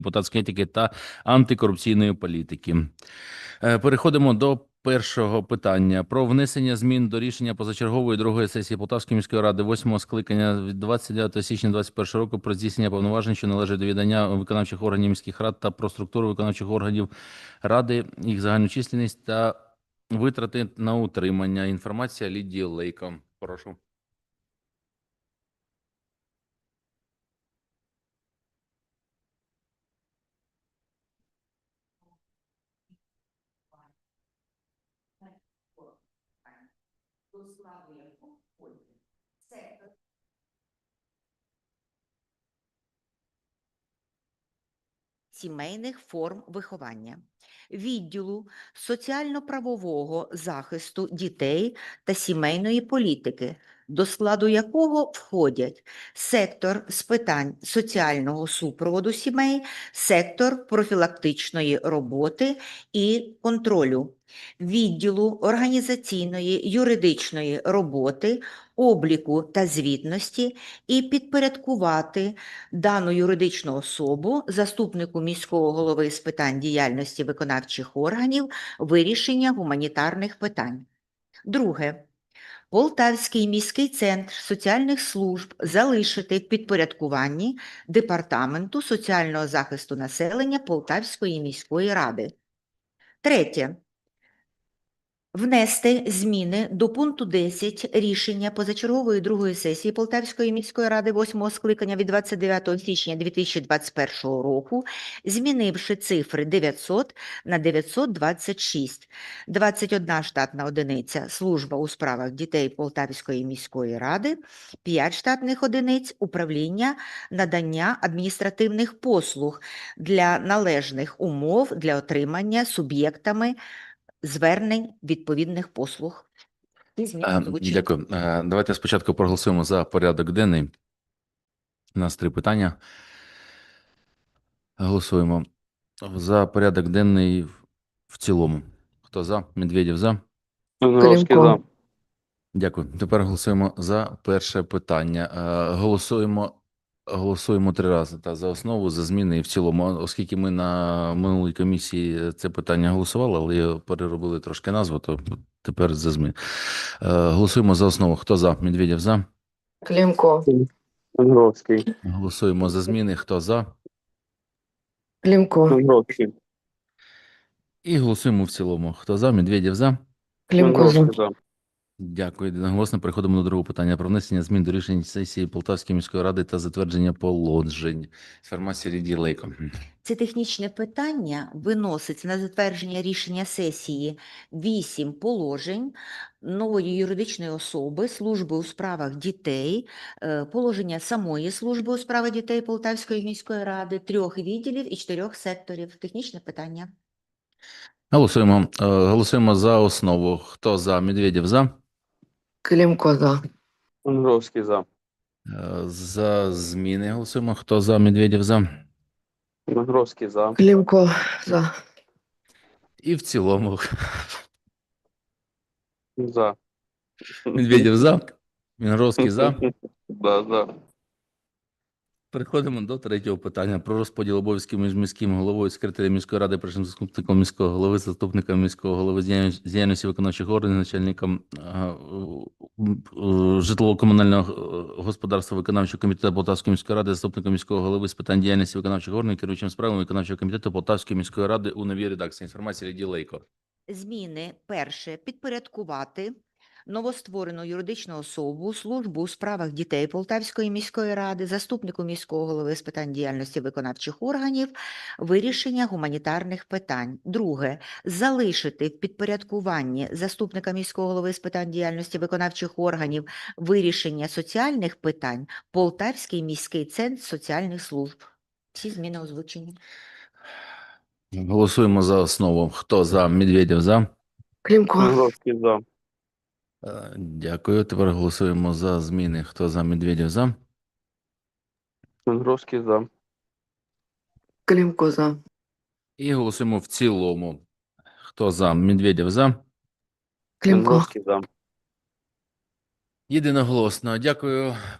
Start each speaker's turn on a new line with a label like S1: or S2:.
S1: депутатської етики та антикорупційної політики. Переходимо до першого питання про внесення змін до рішення позачергової другої сесії Полтавської міської ради 8-го скликання від 29 січня 2021 року про здійснення повноважень, що належать до відання виконавчих органів міських рад та про структуру виконавчих органів ради, їх загальну численність та витрати на утримання. Інформація Лідії Лейко. Прошу.
S2: Сімейних форм виховання, відділу соціально-правового захисту дітей та сімейної політики, до складу якого входять сектор з питань соціального супроводу сімей, сектор профілактичної роботи і контролю, відділу організаційної юридичної роботи, обліку та звітності і підпорядкувати дану юридичну особу заступнику міського голови з питань діяльності виконавчих органів вирішення гуманітарних питань. Друге. Полтавський міський центр соціальних служб залишити в підпорядкуванні Департаменту соціального захисту населення Полтавської міської ради. Третє. Внести зміни до пункту 10 рішення позачергової другої сесії Полтавської міської ради 8-го скликання від 29 січня 2021 року, змінивши цифри 900 на 926. 21 штатна одиниця служба у справах дітей Полтавської міської ради, 5 штатних одиниць управління надання адміністративних послуг для належних умов для отримання суб'єктами звернень відповідних послуг.
S1: Дякую. Давайте спочатку проголосуємо за порядок денний. У нас 3 питання. Голосуємо за порядок денний в цілому. Хто за? Медведєв за.
S3: Грошки за.
S1: Дякую. Тепер голосуємо за перше питання. Голосуємо 3 рази за основу, за зміни і в цілому. Оскільки ми на минулій комісії це питання голосували, але переробили трошки назву, то тепер за зміни. Голосуємо за основу. Хто за? Медведєв за.
S3: Климко. Грошки.
S1: Голосуємо за зміни. Хто за?
S3: Климко. Грошки.
S1: І голосуємо в цілому. Хто за? Медведєв за.
S3: Климко за.
S1: Дякую. Одноголосно переходимо до другого питання про внесення змін до рішень сесії Полтавської міської ради та затвердження положень. Інформація Лідії Лейко.
S2: Це технічне питання виноситься на затвердження рішення сесії 8 положень нової юридичної особи служби у справах дітей, положення самої служби у справах дітей Полтавської міської ради, 3 відділів і 4 секторів. Технічне питання.
S1: Голосуємо за основу. Хто за? Медведєв за.
S3: Климко за. Грошки за.
S1: За зміни голосуємо. Хто за? Медведєв за.
S3: Грошки за. Климко за.
S1: І в цілому.
S3: За.
S1: Медведєв за. Мінгровський за.
S3: За.
S1: Переходимо до третього питання про розподіл обов'язків між міським головою, секретарем міської ради, першим заступником міського голови, заступником міського голови з діяльності виконавчих органів, начальником житлово-комунального господарства виконавчого комітету Полтавської міської ради, заступником міського голови з питань діяльності виконавчих органів, керуючим справами виконавчого комітету Полтавської міської ради у новій редакції. Інформація Лідії Лейко.
S2: Зміни. Перше. Підпорядкувати новостворену юридичну особу службу у справах дітей Полтавської міської ради, заступнику міського голови з питань діяльності виконавчих органів, вирішення гуманітарних питань. Друге. Залишити в підпорядкуванні заступника міського голови з питань діяльності виконавчих органів вирішення соціальних питань Полтавський міський центр соціальних служб. Всі зміни озвучені.
S1: Голосуємо за основу. Хто за? Медведєв за.
S3: Климко. Грошки за.
S1: Дякую. Тепер голосуємо за зміни. Хто за? Медведєв за.
S3: Грошки за. Климко за.
S1: І голосуємо в цілому. Хто за? Медведєв за.
S3: Климко. Грошки за.
S1: Єдиноголосно. Дякую.